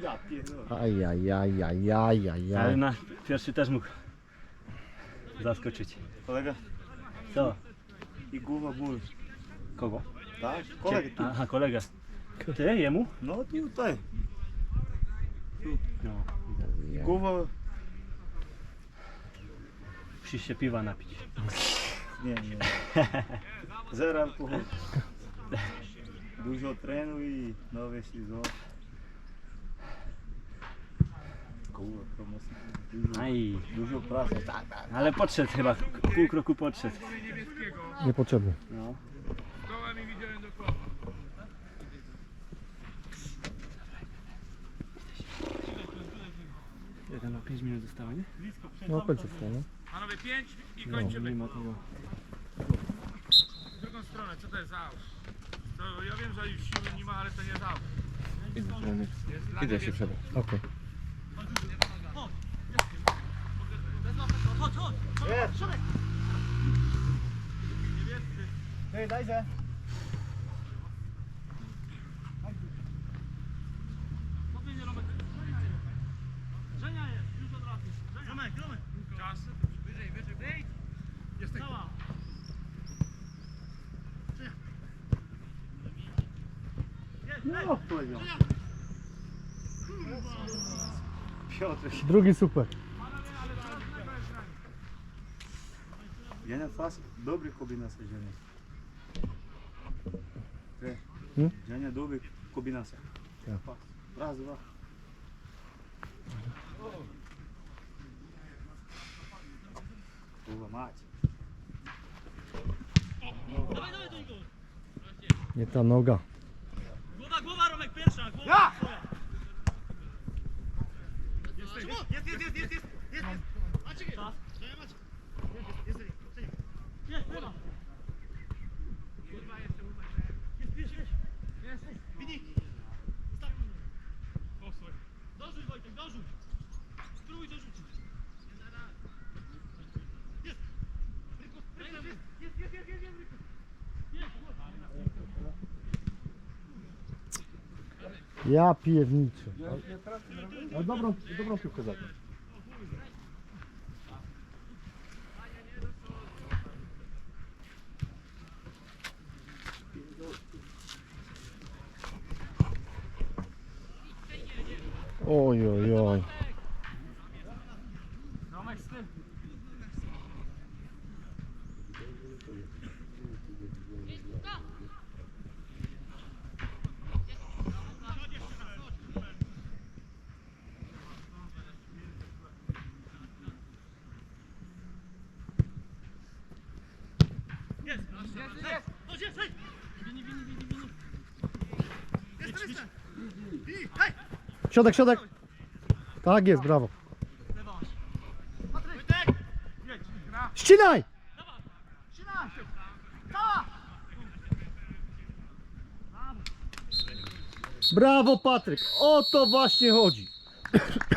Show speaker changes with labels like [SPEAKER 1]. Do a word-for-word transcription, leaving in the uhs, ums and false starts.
[SPEAKER 1] Ja pierdolę.
[SPEAKER 2] Ajajajajajajaj.
[SPEAKER 3] Ale na pierwszy też mógł zaskoczyć.
[SPEAKER 1] Kolega
[SPEAKER 3] Co?
[SPEAKER 1] i głowa ból.
[SPEAKER 3] Kogo?
[SPEAKER 1] Tak? Kolega tu.
[SPEAKER 3] Aha, kolegę. Ty, jemu?
[SPEAKER 1] No tutaj.
[SPEAKER 3] No.
[SPEAKER 1] Głowa...
[SPEAKER 3] Musisz się piwa napić.
[SPEAKER 1] Nie, nie. Zero alkoholu. Dużo trenuj i nowy sezon. Kurwa, to mocno. Dużo,
[SPEAKER 3] Aj.
[SPEAKER 1] dużo pracy. Tak, tak.
[SPEAKER 3] Ale podszedł chyba, pół kroku podszedł.
[SPEAKER 2] Niepotrzebny.
[SPEAKER 3] No. Jeden na pięć minut zostało, nie?
[SPEAKER 2] No końcówka, no.
[SPEAKER 4] Panowie pięć i
[SPEAKER 2] No,
[SPEAKER 4] kończymy.
[SPEAKER 3] Mimo tego.
[SPEAKER 4] W drugą stronę, co to jest za aut? To ja wiem, że już siły nie ma, ale to nie jest aut.
[SPEAKER 5] Idę się przebrać.
[SPEAKER 2] Okej.
[SPEAKER 1] Hej, daj się.
[SPEAKER 4] Żenia jest, już od razu. Gromek, gromek. Czas. Wyżej, wyżej, wyżej. Jesteś. Cała.
[SPEAKER 1] No, powiedział. Piotr.
[SPEAKER 2] Drugi super.
[SPEAKER 1] Женя фас, добрый комбинация, Женя. Э,
[SPEAKER 2] М?
[SPEAKER 1] Женя добрый комбинация.
[SPEAKER 2] Да.
[SPEAKER 1] Фас. Раз, два. Kurwa mać.
[SPEAKER 2] Nie ta noga.
[SPEAKER 4] Głowa, głowa, Romek, pierwsza. Głowa. Ja! Jest, jest, jest, jest, jest, jest, jest. Maciek, czas. Jest, jest, jest. Jest, lewa. Jest, jest, jest. Jest, Winik. Dorzuć, Wojtek, dorzuć. Spróbuj dorzucić. Jest. Jest, jest, jest, jest, jest, jest, jest.
[SPEAKER 2] Ja pierniczę. Ale dobrą, dobrą piłkę zagrał. Oj, oj, oj.
[SPEAKER 4] Romek, z tym. Jest, jest, jest. Chodź, jest, hej. Wini, wini, wini, wini. Jest, jest. Wini, hej.
[SPEAKER 2] Środek, środek. Tak jest, brawo.
[SPEAKER 4] Lewa. Wojtek. Jedź, gra.
[SPEAKER 2] Ścinaj!
[SPEAKER 4] Dawaj. Trzymaj. Cała.
[SPEAKER 2] Brawo, Patryk. O to właśnie chodzi.